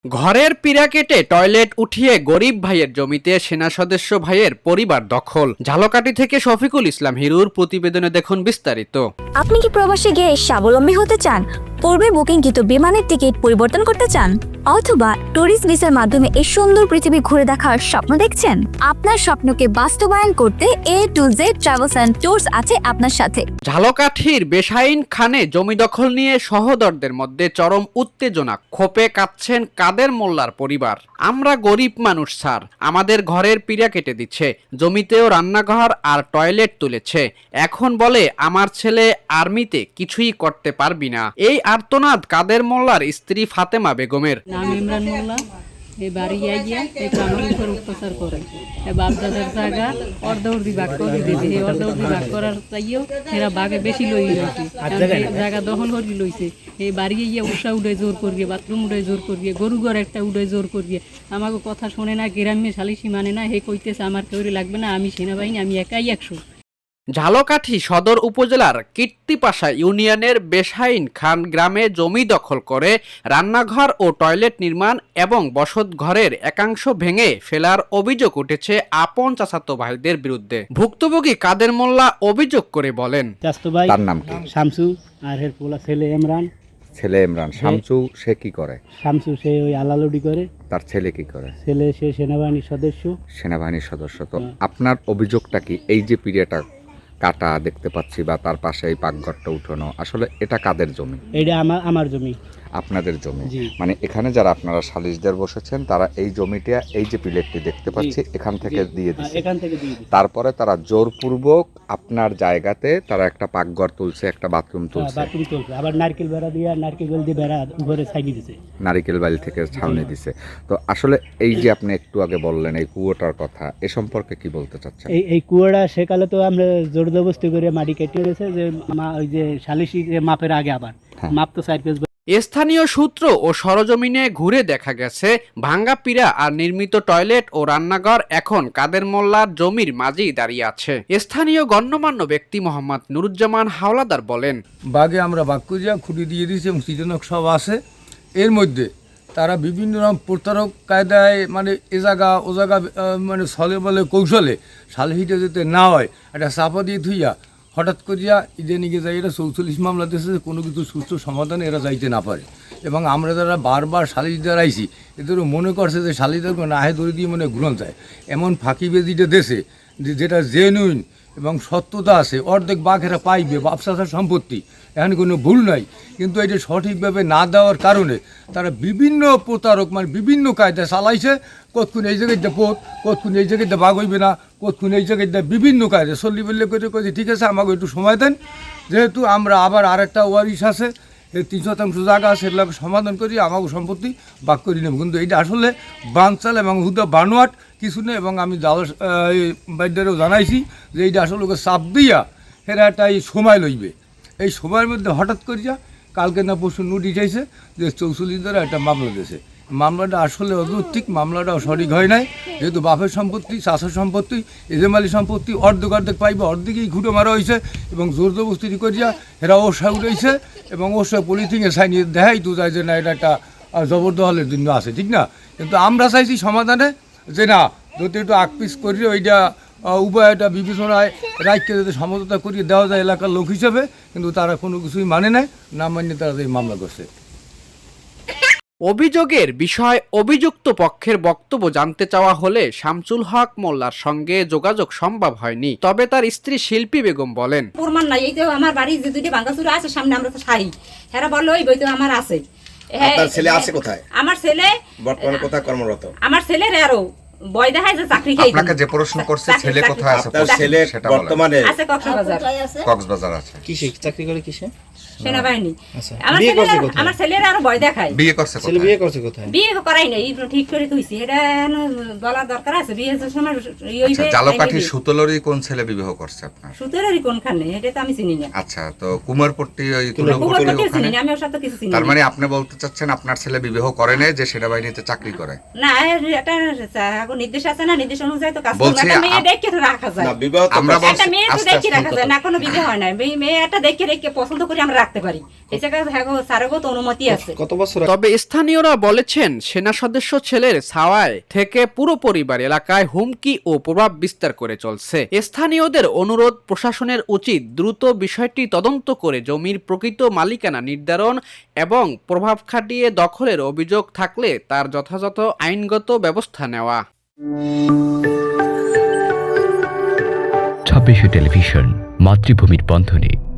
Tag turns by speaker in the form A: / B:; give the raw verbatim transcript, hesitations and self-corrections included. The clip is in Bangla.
A: ঘরের পিঁড়া কেটে টয়লেট উঠিয়ে গরিব ভাইয়ের জমিতে সেনা সদস্য ভাইয়ের পরিবার দখল। ঝালকাঠি থেকে শফিকুল ইসলাম হিরুর প্রতিবেদনে দেখুন বিস্তারিত।
B: আপনি কি প্রবাসে গিয়ে স্বাবলম্বী হতে চান? পূর্বে বুকিংকৃত বিমানের টিকিট পরিবর্তন করতে চান, অথবা ট্যুরিস্ট ভিসার মাধ্যমে এই সুন্দর পৃথিবী ঘুরে দেখার স্বপ্ন দেখছেন? আপনার স্বপ্নকে বাস্তবায়ন করতে A to Z travels and tours আছে আপনার সাথে।
A: ঝালকাঠির বেসাইন খানে জমি দখল নিয়ে সহোদরদের মধ্যে চরম উত্তেজনা। ক্ষোভে কাঁদছেন কাদের মোল্লার পরিবার। আমরা গরিব মানুষ স্যার, আমাদের ঘরের পিঁড়া কেটে দিচ্ছে, জমিতেও রান্নাঘর আর টয়লেট তুলেছে, এখন বলে আমার ছেলে আর্মিতে কিছুই করতে পারবি না। এই আর্তনাদ কাদের মোল্লার স্ত্রী ফাতেমা বেগমের।
C: নাম ইমরান মোল্লা। এই বাড়ি আইয়া এই আমার উপর অত্যাচার করে, এই বাপদাদার জায়গা অর্ধবর্তী ভাগ করে দিয়েছে। এই অর্ধবর্তী ভাগ করার চাইও এরা বাঘে বেশি লই রয়েছে, জায়গা দখল করে লইছে। এই বাড়ি আইয়া উষা উঠে জোর করিয়ে, বাথরুম উঠে জোর করিয়ে, গরু ঘর একটা উঠে জোর করিয়ে, আমাকে কথা শোনে না, গ্রাম্য সালিশি মানে না। হে কইতেছে আমার কেউ লাগবে না, আমি সেনাবাহিনী, আমি একাই একশো।
A: ঝালকাঠি সদর উপজেলার কীর্তিপাশা ইউনিয়নের বেসাইন খান গ্রামে জমি দখল করে রান্নাঘর ও টয়লেট নির্মাণ এবং বসত ঘরের একাংশ ভেঙে ফেলার অভিযোগ উঠেছে আপন চাচাতো ভাইদের বিরুদ্ধে। ভুক্তভোগী কাদের মোল্লা অভিযোগ করে বলেন,
D: তার নাম কি?
E: শামসু আর এর পোলা ছেলে ইমরান।
D: ছেলে ইমরান। শামসু সে কি করে?
E: শামসু সে ওই আলালুডি করে।
D: তার ছেলে কি করে?
E: ছেলে সে সেনাবাহিনীর সদস্য।
D: সেনাবাহিনীর সদস্য। তো আপনার অভিযোগটা কি? এই যে পিরিয়ডটা কাটা দেখতে পাচ্ছি বা তার পাশে এই পাকঘরটা উঠানো, আসলে এটা কাদের জমি?
E: এটা আমার আমার জমি।
D: আপনাদের জমি?
E: জি।
D: মানে এখানে যারা আপনারা সালিশদের বসেছেন তারা এই জমিটা, এই যে প্লেটটি দেখতে পাচ্ছি এখান থেকে দিয়ে দিচ্ছে,
E: এখান থেকে দিয়ে দিচ্ছে।
D: তারপরে তারা জোরপূর্বক আপনার জায়গাতে তারা একটা পাকঘর তুলছে, একটা বাথরুম তুলছে,
E: বাথরুম তুলছে, আবার নারকেল বেড়া দিয়ে নারকেল বেল দিয়ে বেড়া উপরে ছাইনি দিছে,
D: নারিকেল বাড়ি থেকে ছাউনি দিছে। তো আসলে এই যে আপনি একটু আগে বললেন এই কুয়োটার কথা, এ সম্পর্কে কি বলতে চাচ্ছেন?
E: এই এই কুয়োটা সেকালে তো আমরা জোরদবস্তি করে মাটি কেটে দিয়েছে, যে মা- ওই যে সালিশি যে মাপের আগে আবার মাপ তো চার পেজ।
A: স্থানীয় সূত্র ও সরজমিনে ঘুরে দেখা গেছে ভাঙ্গা পিঁড়া আর নির্মিত টয়লেট ও রান্নাঘর এখন কাদের মোল্লার জমির মাঝেই দাঁড়িয়ে আছে। স্থানীয় গণ্যমান্য ব্যক্তি মোহাম্মদ নুরুজ্জামান হাওলাদার বলেন,
F: বাঘে আমরা বাঘ করিয়া খুঁটি দিয়ে দিয়েছি এবং সৃজনক সব আছে। এর মধ্যে তারা বিভিন্ন রকম প্রতারক কায়দায় মানে এ জায়গা ও জায়গা আহ, মানে ছলে বলে কৌশলে সালহিটা যাতে না হয় একটা চাপা দিয়ে থুইয়া হঠাৎ করিয়া ইদে নিকে যাই। এরা চৌচল্লিশ মামলা দিয়েছে, কোনো কিছু সুস্থ সমাধানে এরা যাইতে না পারে। এবং আমরা যারা বারবার সালিশদার আইছি এদেরও মনে করছে যে সালিশদার না আহে দড়ি দিয়ে মনে গ্রহণ যায়, এমন ফাঁকিবেদিটা দেশে যে যেটা জেনুইন এবং সত্যতা আছে, অর্ধেক বাঘেরা পাইবে ব্যবসার সম্পত্তি, এখানে কোনো ভুল নাই। কিন্তু এটা সঠিকভাবে না দেওয়ার কারণে তারা বিভিন্ন প্রতারক মানে বিভিন্ন কায়দা চালাইছে। কতক্ষণ এই জায়গায় পোত, কতক্ষণ এই জায়গায় বাঘ হইবে না, কতক্ষণ এই জায়গায় বিভিন্ন কায়দা চল্লি বললে করে কয়েছে ঠিক আছে আমাকে একটু সময় দেন, যেহেতু আমরা আবার আরেকটা ওয়ারিশ আছে, এই তিন শতাংশ জায়গা আছে, সেগুলোকে সমাধান করি আমাকে সম্পত্তি বাক করি নেব। কিন্তু এইটা আসলে বানচাল এবং হুদা বানোয়াট কিছু নেই। এবং আমি বাইদারেও জানাইছি যে এইটা আসলে ওকে চাপ দিয়া এরা একটা এই সময় লইবে। এই সময়ের মধ্যে হঠাৎ করিয়া কালকে না পরশু নোটিশ আইছে যে চৌচল্লিশ দ্বারা একটা মামলা দিয়েছে। মামলাটা আসলে অযৌক্তিক, মামলাটাও সঠিক হয় নাই। যেহেতু বাপের সম্পত্তি, চাষের সম্পত্তি, এজেমালি সম্পত্তি অর্ধেক অর্ধেক পাইবে, অর্ধেকেই ঘুটে মারা হয়েছে এবং জোর জবস্তি করিয়া এরা ওষা উঠেছে এবং ওষা পলিথিনে সাইনি দেখাই তো যায় যে না এটা একটা জবরদখলের জন্য আছে, ঠিক না? কিন্তু আমরা চাইছি সমাধানে যে না যদি একটু আকপিস করিয়ে ওইটা উপায়টা বিবেচনায় রাখকে যাতে সমঝোতা করিয়ে দেওয়া যায় এলাকার লোক হিসেবে, কিন্তু তারা কোনো কিছুই মানে নাই, না মানিয়ে তারা এই মামলা করছে।
A: অভিযোগের বিষয় অভিযুক্ত পক্ষের বক্তব্য জানতে চাওয়া হলে শামসুল হক মোল্লার সঙ্গে যোগাযোগ সম্ভব হয়নি। তবে তার স্ত্রী শিল্পী বেগম বলেন,
G: প্রমাণ নাই, এই যে আমার বাড়ি যে দুইটা ভাঙ্গাচুরা আছে সামনে, আমরা তো সারি হেরা বললো ওই বই তো আমার আছে।
H: আপনার ছেলে আছে কোথায়?
G: আমার ছেলে
H: বর্তমানে কোথায় কর্মরত?
G: আমার ছেলের আরো বয় দেখায় যে চাকরি খেয়ে
D: আপনাকে যে প্রশ্ন করছে ছেলে কোথায় আছে,
H: আপনার ছেলে
D: সেটা বলেন।
H: বর্তমানে
G: আছে কক্সবাজার।
D: কক্সবাজার আছে।
I: কিসে চাকরি করে? কিসে?
G: সেনাবাহিনী।
I: আচ্ছা।
G: আমার
I: বিয়ে করছে
G: ছেলের
I: কোথায়?
G: আমার ছেলের আরো ভয় দেখায়।
D: বিয়ে করছে
I: ছেলে
D: কোথায়?
I: বিয়ে করছে কোথায়?
G: বিয়ে করাই নাই, এই ঠিক করে তুইছি, এটা বলার দরকার আছে। বিয়ে সময়
D: আচ্ছা, ঝালকাঠি সুতলরি কোন ছেলে বিবাহ করছে আপনার?
G: সুতরারই কোনখানে এটা তো আমি চিনি না।
D: আচ্ছা, তো কুমারপট্টি ওই
G: কুমারপট্টি
D: তুলপট্টি
G: চিনি
D: ওখানে?
G: না, আমি ওর সাথে কিছু চিনি
D: তার
G: না।
D: মানে আপনি বলতে চাচ্ছেন আপনার ছেলে বিবাহ করে না, যে সেনাবাহিনীতে চাকরি করে?
G: না, এটা এখন নির্দেশ আছে না, নির্দেশ অনুযায়ী তো কাজ করবে।
D: বলছি
G: একটা মেয়ে
D: আপ-
G: দেখে তো রাখা যায়।
H: না বিবাহ তো
D: আমরা
H: করছে।
D: বলছি
G: একটা মেয়ে তো
D: আস্তে
G: দেখে
D: আস্তে
G: রাখা যায় না, কোনো বিয়ে হয় না। মেয়ে- মেয়েটা দেখে রেখে পছন্দ করে আমরা রাখি। থাকতে পারি এই জায়গায় হ্যাঁ স্যারগো তো অনুমতি আছে।
H: কত বছর
A: তবে স্থানীয়রা বলেছেন সেনা সদস্য ছেলের ছাওয়ায় থেকে পুরো পরিবার এলাকায় হুমকি ও প্রভাব বিস্তার করে চলছে। স্থানীয়দের অনুরোধ প্রশাসনের উচিত দ্রুত বিষয়টি তদন্ত করে জমির প্রকৃত মালিকানা নির্ধারণ এবং প্রভাব খাটিয়ে দখলের অভিযোগ থাকলে তার যথাযথ আইনগত ব্যবস্থা নেওয়া।
I: ছাব্বিশে টেলিভিশন, মাতৃভূমির বন্ধনে।